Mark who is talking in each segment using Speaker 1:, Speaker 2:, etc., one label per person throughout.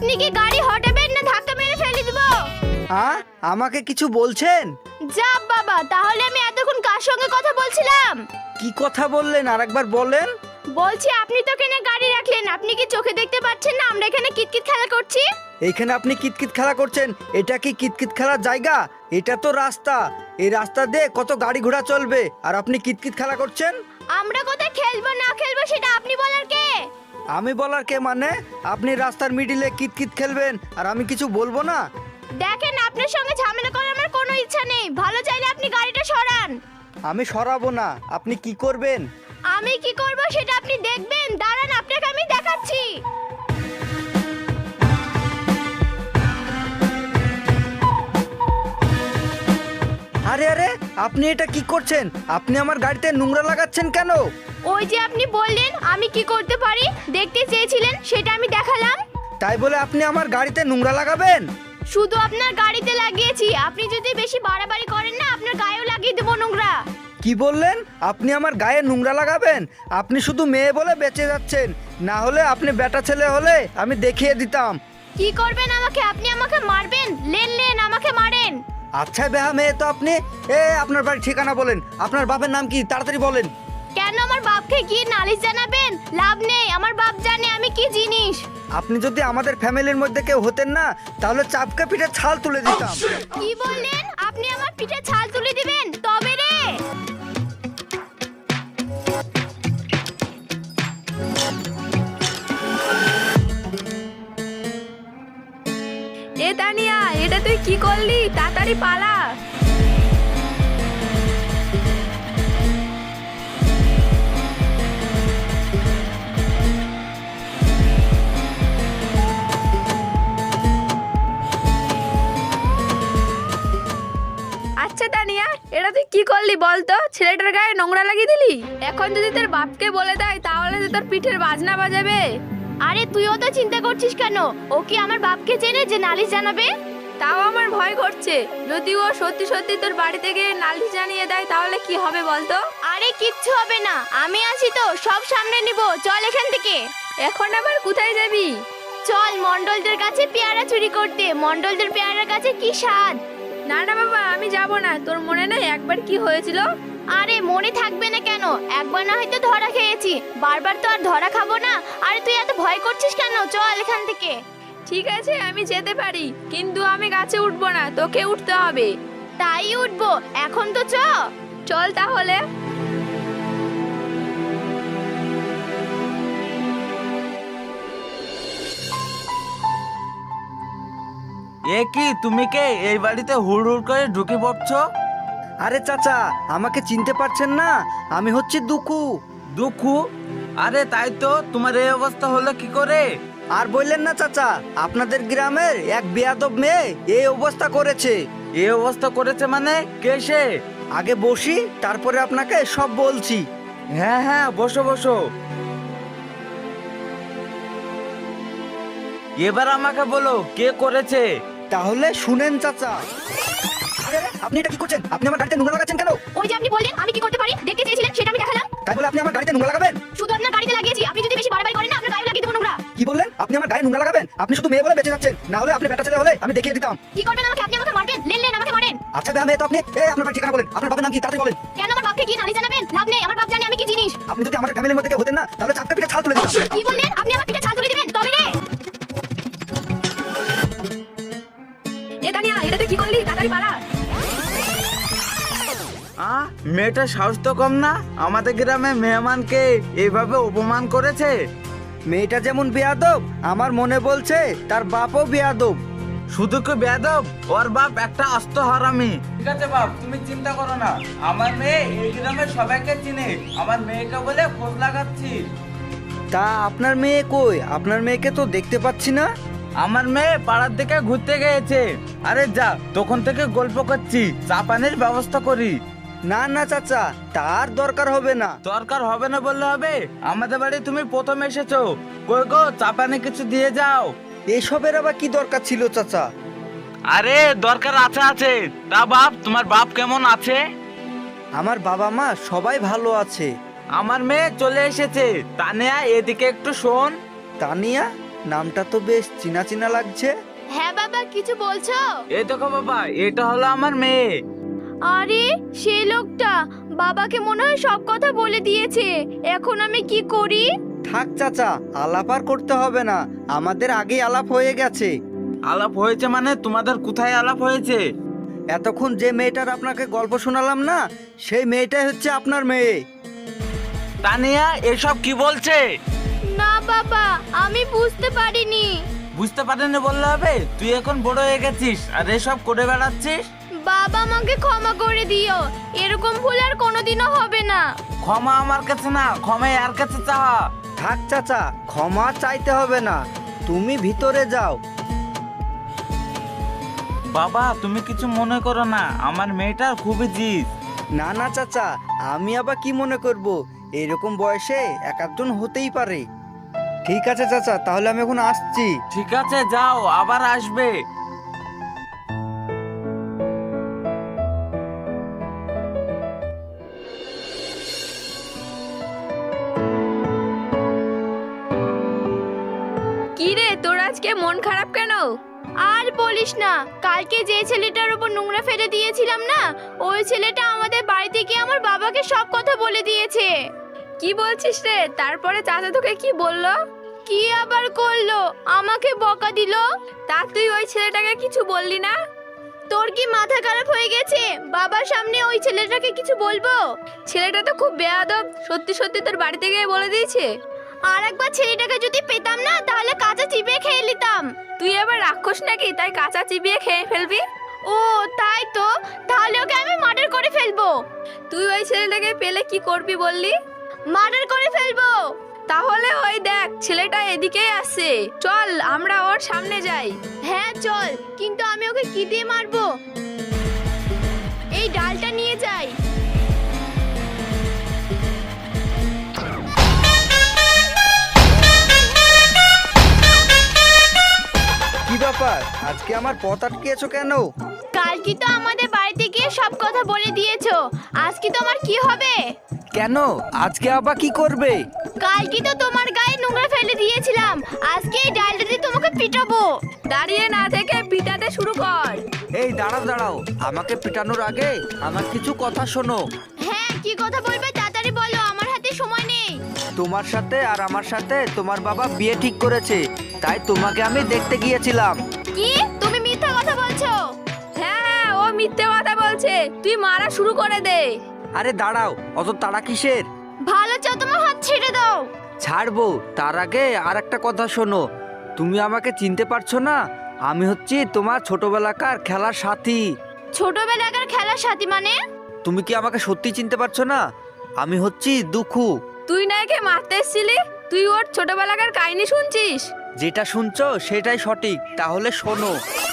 Speaker 1: আপনি কি গাড়ি হটাবেন না ধাক্কা মেরে ফেলে দিব?
Speaker 2: আমাকে কিছু বলছেন?
Speaker 1: যা বাবা, তাহলে আমি এতক্ষণ কার সঙ্গে কথা বলছিলাম?
Speaker 2: কি কথা বললেন আরেকবার বলেন।
Speaker 1: বলছি আপনি তো এখানে গাড়ি রাখলেন, আপনি কি চোখে দেখতে পাচ্ছেন না আমরা এখানে কিতকিত খেলা করছি?
Speaker 2: এইখানে আপনি কিতকিত খেলা করছেন? এটা কি কিতকিত খেলার জায়গা? এটা তো রাস্তা। এই রাস্তা দিয়ে কত গাড়ি ঘোড়া চলবে আর আপনি কিতকিত খেলা করছেন?
Speaker 1: আমরা কোথায় খেলবো না খেলবো সেটা আপনি বলার কে?
Speaker 2: আমি বলার কে মানে? আপনি রাস্তার মিডিলে কিতকিত খেলবেন আর আমি কিছু বলবো না?
Speaker 1: দেখেন, আপনার সঙ্গে ঝামেলা করার আমার কোনো ইচ্ছা নেই। ভালো চাইলে আপনি গাড়িটা সরান।
Speaker 2: আমি সরাবো না। আপনি কি করবেন?
Speaker 1: আমি কি করব সেটা আপনি দেখবেন। দাঁড়ান, আপনাকে আমি দেখাচ্ছি।
Speaker 2: আরে আরে, আপনি এটা কি করছেন? আপনি আমার গাড়িতে নোংরা লাগাচ্ছেন কেন?
Speaker 1: ওই যে আপনি বললেন আমি কি করতে পারি, দেখতে চেয়েছিলেন, সেটা আমি দেখালাম।
Speaker 2: তাই বলে আপনি আমার গাড়িতে নোংরা লাগাবেন?
Speaker 1: শুধু আপনার গাড়িতে লাগিয়েছি, আপনি যদি বেশি বাড়াবাড়ি করেন না আপনার গায়েও লাগিয়ে দেবো নোংরা।
Speaker 2: কি বললেন? আপনি আমার গায়ে নোংরা লাগাবেন? আপনি শুধু মেয়ে বলে বেঁচে যাচ্ছেন, না হলে আপনি বেটা ছেলে হলে আমি দেখিয়ে দিতাম।
Speaker 1: কি করবেন আমাকে? আপনি আমাকে মারবেন? লেন লেন, আমাকে মারেন।
Speaker 2: আচ্ছা বেহা মেয়ে তো আপনি। আপনার বাড়ির ঠিকানা বলেন। আপনার বাপের নাম কি? তাড়াতাড়ি বলেন।
Speaker 1: কেন আমার বাপকে গিয়ে নালিশ জানাবেন? লাভ নেই, আমার বাপ জানে আমি কি জিনিস।
Speaker 2: আপনি যদি আমাদের ফ্যামিলির মধ্যে কেউ হতেন না, তাহলে চাপকে পিঠে ছাল তুলে দিতাম।
Speaker 1: কি বললেন? আপনি আমার পিঠে ছাল তুলে দিবেন? তবে রে।
Speaker 3: এ তানিয়া, এটা তুই কি করলি? তাড়াতাড়ি পালা। আচ্ছা তানিয়া, এটা তুই কি করলি বলতো? ছেলেটার গায়ে নোংরা লাগিয়ে দিলি। এখন যদি তোর বাপকে বলে দেয় তাহলে তো তোর পিঠের বাজনা বাজাবে।
Speaker 1: আরে তুইও তো চিন্তা করছিস কেন? ও কি আমার বাপকে চেনে যে নালিশ জানাবে?
Speaker 3: তাও আমার ভয় করছে, যদি ও সত্যি সত্যি তোর বাড়ি থেকে নালিশ জানিয়ে দেয় তাহলে কি হবে বলতো?
Speaker 1: আরে কিচ্ছু হবে না, আমি আছি তো, সব সামনে নিব। চল এখান থেকে।
Speaker 3: এখন আবার কোথায় যাবি?
Speaker 1: চল মন্ডলদের কাছে পেয়ারা চুরি করতে। মন্ডলদের পেয়ারার কাছে কি স্বাদ।
Speaker 3: না না বাবা, আমি যাব না। তোর মনে নেই একবার কি হয়েছিল?
Speaker 1: আরে মনে থাকবে না কেন? একবার না হয়তো ধরা খেয়েছি, বারবার তো আর ধরা খাবো না। আরে তুই এত ভয় করছিস কেন? চল এখান থেকে।
Speaker 3: ঠিক আছে, আমি যেতে পারি, কিন্তু আমি গাছে উঠবো না, তোকে উঠতে হবে।
Speaker 1: তাই উঠবো, এখন তো
Speaker 3: চল তাহলে।
Speaker 4: এ কি, তুমি কে? এই বাড়িতে হুড় হুড় করে ঢুকে পড়ছো?
Speaker 2: আরে চাচা, আমাকে চিনতে পারছেন না? আমি হচ্ছি দুঃখু।
Speaker 4: দুঃখু? আরে তাই তো, তোমার এই অবস্থা হলো কি করে?
Speaker 2: আর বললেন না চাচা, আপনাদের গ্রামের এক বেয়াদব মেয়ে এই অবস্থা করেছে।
Speaker 4: এই অবস্থা করেছে মানে? কে সে?
Speaker 2: আগে বসি, তারপরে আপনাকে সব বলছি।
Speaker 4: হ্যাঁ হ্যাঁ, বসো বসো। এবার আমাকে বলো কে করেছে।
Speaker 2: তাহলে শুনেন চাচা। আরে আরে, আপনি এটা কি করছেন? আপনি আমার গাড়িতে নোংরা লাগাচ্ছেন কেন?
Speaker 1: ওই যে আপনি বললেন আমি কি করতে পারি, দেখতে চেয়েছিলেন, সেটা আমি দেখালাম।
Speaker 2: তাই বলে আপনি আমার গাড়িতে নোংরা লাগাবেন?
Speaker 1: শুধু আপনার গাড়িতে লাগিয়েছি, আপনি যদি বেশি বাড়াবাড়ি করেন না আপনার গায়ে লাগিয়ে দেবো নোংরা।
Speaker 2: কি বললেন? আপনি আমার গায়ে নোংরা লাগাবেন? আপনি শুধু মেয়ে বলে বেঁচে যাচ্ছেন, না হলে আপনি বেটা ছেলে হলে আমি দেখিয়ে দিতাম।
Speaker 1: কি করবেন আমাকে? আপনি আমাকে মারবেন? লেন লেন, আমাকে মারেন।
Speaker 2: আচ্ছা বেয়া মেয়ে তো আপনি। আপনার বাড়ির ঠিকানা বলেন। আপনার বাবার নাম কি? তাড়াতাড়ি বলেন।
Speaker 1: কেন আমার বাপকে গিয়ে নালিশ জানাবেন? লাভ নেই, আমার বাপ জানে আমি কি জিনিস।
Speaker 2: আপনি যদি আমার ফ্যামিলির মধ্যে কেউ হতেন না, তাহলে চাপকে পিঠে ছাল তুলে দিতাম।
Speaker 1: কি বললেন? আপনি আমার পিঠে ছাল তুলে দিবেন? তবে রে।
Speaker 3: এ তানিয়া, এটা তুই কি করলি? তাড়াতাড়ি পালা।
Speaker 4: মেয়েটার সাহস তো কম না, আমাদের গ্রামে মেহমানকে এইভাবে অপমান করেছে।
Speaker 2: মেয়েটা যেমন বেয়াদব, আমার মনে বলছে তার বাপও বেয়াদব।
Speaker 4: শুধু কি বেয়াদব, ওর বাপ একটা আস্ত হারামি। ঠিক আছে বাপ, তুমি চিন্তা করো না, আমার মেয়ে এই গ্রামের সবাইকে চিনে। আমার মেয়েকে বলে খোঁজ লাগাচ্ছি।
Speaker 2: তা আপনার মেয়ে কই? আপনার মেয়েকে তো দেখতে পাচ্ছি না।
Speaker 4: আমার মেয়ে পাড়ার দিকে ঘুরতে গিয়েছে। আরে যা, তখন থেকে গল্প করছি, চা পানির ব্যবস্থা করি।
Speaker 2: না না চাচা, তার দরকার হবে না।
Speaker 4: দরকার হবে না বললে হবে? আমাদের বাড়ি তুমি প্রথম এসেছো, কই গো চা পানি কিছু দিয়ে যাও।
Speaker 2: এসবের আবার কি দরকার ছিল চাচা?
Speaker 4: আরে দরকার আছে আছে। তা বাপ, তোমার বাপ কেমন আছে?
Speaker 2: আমার বাবা মা সবাই ভালো আছে।
Speaker 4: আমার মেয়ে চলে এসেছে। তানিয়া, এদিকে একটু শোন।
Speaker 2: তানিয়া? নামটা তো বেশ চেনা চেনা লাগছে।
Speaker 1: হ্যাঁ বাবা, কিছু বলছো?
Speaker 4: এই দেখো বাবা, এটা হলো আমার মেয়ে।
Speaker 1: আরে সেই লোকটা বাবাকে মনে হয় সব কথা বলে দিয়েছে। এখন আমি কি করি?
Speaker 2: থাক চাচা, আলাপ আর করতে হবে না, আমাদের আগেই আলাপ হয়ে গেছে।
Speaker 4: আলাপ হয়েছে মানে তোমাদের কোথায় আলাপ হয়েছে?
Speaker 2: এতক্ষণ যে মেয়েটার আপনাকে গল্প শোনালাম না, সেই মেয়েটাই হচ্ছে আপনার মেয়ে।
Speaker 4: তানিয়া এসব কি বলছে?
Speaker 1: না বাবা, আমি বুঝতে পারিনি।
Speaker 4: বুঝতে পারেনি বললে হবে? তুই এখন বড় হয়ে গেছিস আর এসব করে বেড়াচ্ছিস।
Speaker 1: বাবা আমাকে ক্ষমা করে দিও, এরকম ভুল আর কোনোদিনও হবে না।
Speaker 4: ক্ষমা আমার কাছে না, ক্ষমা আর কাছে চাওয়া।
Speaker 2: থাক চাচা, ক্ষমা চাইতে হবে না, তুমি ভিতরে যাও।
Speaker 4: বাবা তুমি কিছু মনে করো না, আমার মেয়েটার খুবই জিদ।
Speaker 2: না না চাচা, আমি আবার কি মনে করব, এরকম বয়সে এক একজন হতেই পারে। ঠিক আছে চাচা, তাহলে আমি এখন আসছি।
Speaker 4: ঠিক আছে যাও, আবার আসবে।
Speaker 3: কি রে, তোর আজকে মন খারাপ কেন?
Speaker 1: আর বলিস না, কালকে যে ছেলেটার উপর নোংরা ফেলে দিয়েছিলাম না, ওই ছেলেটা আমাদের বাড়িতে গিয়ে আমার বাবাকে সব কথা বলে দিয়েছে।
Speaker 3: কি বলছিস রে? তারপরে চাচা তোকে কি বললো?
Speaker 1: কি আবার করলো, আমাকে বকা দিল।
Speaker 3: তা তুই ওই ছেলেটাকে কিছু বললি না?
Speaker 1: তোর কি মাথা খারাপ হয়ে গেছে? বাবার সামনে ওই ছেলেটাকে কিছু বলবো?
Speaker 3: ছেলেটা তো খুব বেয়াদব, সত্যি সত্যি তোর বাড়িতে গিয়ে বলে দিয়েছে।
Speaker 1: আর একবার ছেলেটাকে যদি পেতাম না, তাহলে কাঁচা চিবিয়ে খেয়ে নিতাম।
Speaker 3: তুই এবার রাক্ষস নাকি, তাই কাঁচা চিবিয়ে খেয়ে ফেলবি?
Speaker 1: ও তাই তো, তাহলে ওকে আমি মার্ডার করে ফেলবো।
Speaker 3: তুই ওই ছেলেটাকে পেলে কি করবি বললি?
Speaker 1: মার্ডার করে ফেলবো।
Speaker 3: তাহলে ওই দেখ, ছেলেটা এদিকেই আসছে, চল আমরা ওর সামনে যাই।
Speaker 1: হ্যাঁ চল, কিন্তু আমি ওকে কি দিয়ে মারবো? এই ডালটা নিয়ে যাই।
Speaker 2: কি ব্যাপার, আজকে আমার পথ আটকেছো কেন?
Speaker 1: কালকে তো আমাদের বাড়িতে গিয়ে সব কথা বলে দিয়েছো, আজকে তোমার কি হবে?
Speaker 2: কেন, আজকে আবার কি করবে?
Speaker 1: কালকে তো তোমার গায়ে নোংরা ফেলে দিয়েছিলাম, আজকে এই ডালটা দিয়ে তোমাকে পিটাবো।
Speaker 3: দাঁড়িয়ে না থেকে পিটাতে শুরু কর।
Speaker 2: এই দাঁড়াও দাঁড়াও, আমাকে পিটানোর আগে আমার কিছু কথা শোনো।
Speaker 1: হ্যাঁ, কি কথা বলবে তাড়াতাড়ি বলো, আমার হাতে সময় নেই।
Speaker 2: তোমার সাথে আর আমার সাথে তোমার বাবা বিয়ে ঠিক করেছে, তাই তোমাকে আমি দেখতে গিয়েছিলাম।
Speaker 1: কি, তুমি মিথ্যা কথা বলছো?
Speaker 3: হ্যাঁ হ্যাঁ, ও মিথ্যে কথা বলছে, তুই মারা শুরু করে দে।
Speaker 2: আরে দাঁড়াও, অত তাড়া কিসের?
Speaker 1: ভালো চাও, তোমার হাত ছেড়ে দাও।
Speaker 2: ছাড়বো, তার আগে আর একটা কথা শোনো। তুমি আমাকে চিনতে পারছো না? আমি হচ্ছি তোমার ছোটবেলাকার খেলার সাথী।
Speaker 1: ছোটবেলাকার খেলার সাথী মানে?
Speaker 2: তুমি কি আমাকে সত্যি চিনতে পারছো না? আমি হচ্ছি দুখু।
Speaker 3: তুই না একে মারতে এসেছিলি, তুই ওর ছোটবেলাকার কাহিনী শুনছিস?
Speaker 2: যেটা শুনছো সেটাই সঠিক, তাহলে শোনো।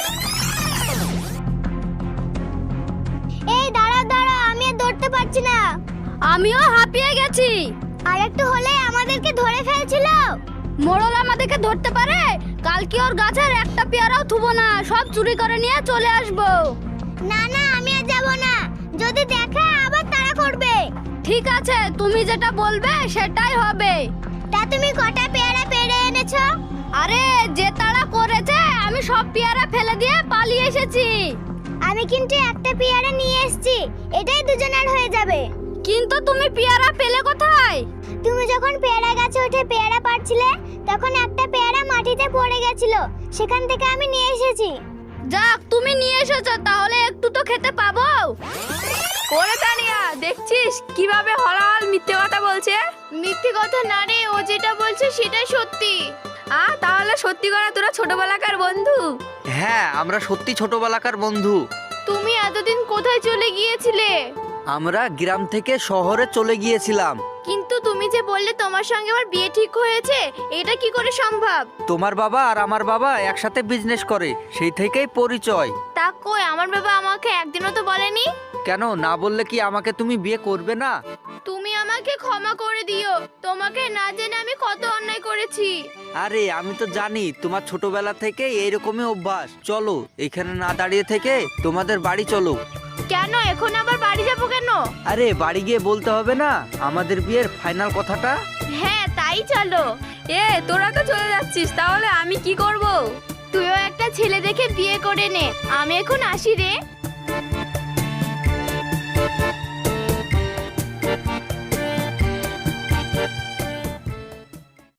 Speaker 1: এই দাঁড়া দাঁড়া, আমি আর ধরতে পারছি না।
Speaker 3: আমিও হাঁপিয়ে গেছি।
Speaker 1: আর একটু হলে আমাদেরকে ধরে ফেলছিল।
Speaker 3: মোড়ল আমাদেরকে ধরতে পারে? কালকে ওর গাছের একটা পেয়ারাও থুবো না, সব চুরি করে নিয়ে চলে আসবো।
Speaker 1: না না, আমি আর যাব না, যদি দেখে আবার তাড়া করবে।
Speaker 3: ঠিক আছে, তুমি যেটা বলবে সেটাই হবে।
Speaker 1: তা তুমি কটা পেয়ারা পেড়ে এনেছো?
Speaker 3: আরে যে তাড়া করেছে, আমি সব পেয়ারা ফেলে দিয়ে পালিয়ে এসেছি।
Speaker 1: আমি কিন্তু একটা পেয়ারা নিয়ে এসেছি, এটাই দুজনের হয়ে যাবে।
Speaker 3: কিন্তু তুমি পেয়ারা পেলে কোথায়?
Speaker 1: তুমি যখন পেয়ারা গাছে উঠে পেয়ারা পাড়ছিলে, তখন একটা পেয়ারা মাটিতে পড়ে গেছিল, সেখান থেকে আমি নিয়ে এসেছি।
Speaker 3: যাক, তুমি নিয়ে এসেছো, তাহলে একটু তো খেতে পাবো। ওরে তানিয়া, দেখছিস কিভাবে হলাল মিথ্যে কথা বলছে?
Speaker 1: মিথ্যে কথা না রে, ও যেটা বলছে সেটাই সত্যি।
Speaker 3: তাহলে সত্যি করে তোরা ছোটবেলাকার বন্ধু?
Speaker 2: হ্যাঁ, আমরা সত্যি ছোটবেলাকার বন্ধু।
Speaker 1: তুমি এতদিন কোথায় চলে গিয়েছিলে?
Speaker 2: আমরা গ্রাম থেকে শহরে চলে গিয়েছিলাম।
Speaker 1: কিন্তু তুমি যে বললে তোমার সঙ্গে আমার বিয়ে ঠিক হয়েছে, এটা কি করে সম্ভব?
Speaker 2: তোমার বাবা আর আমার বাবা একসাথে বিজনেস করে, সেই থেকেই পরিচয়।
Speaker 1: তা কই, আমার বাবা আমাকে একদিনও তো বলেনি।
Speaker 2: কেন, না বললে কি আমাকে তুমি বিয়ে করবে না?
Speaker 1: তুমি আমাকে ক্ষমা করে দিও, তোমাকে না জেনে আমি কত অন্যায় করেছি।
Speaker 2: আরে আমি তো জানি তোমার ছোটবেলা থেকে এইরকমই অভ্যাস। চলো, এখানে না দাঁড়িয়ে থেকে তোমাদের বাড়ি চলো।
Speaker 1: কেন, এখন আবার বাড়ি যাবো কেন?
Speaker 2: আরে বাড়ি গিয়ে বলতে হবে না আমাদের বিয়ের ফাইনাল কথাটা?
Speaker 1: হ্যাঁ তাই চলো।
Speaker 3: এ তোরা তো চলে যাচ্ছিস, তাহলে আমি কি করব?
Speaker 1: তুইও একটা ছেলে দেখে বিয়ে করে নে। আমি এখন আসি রে।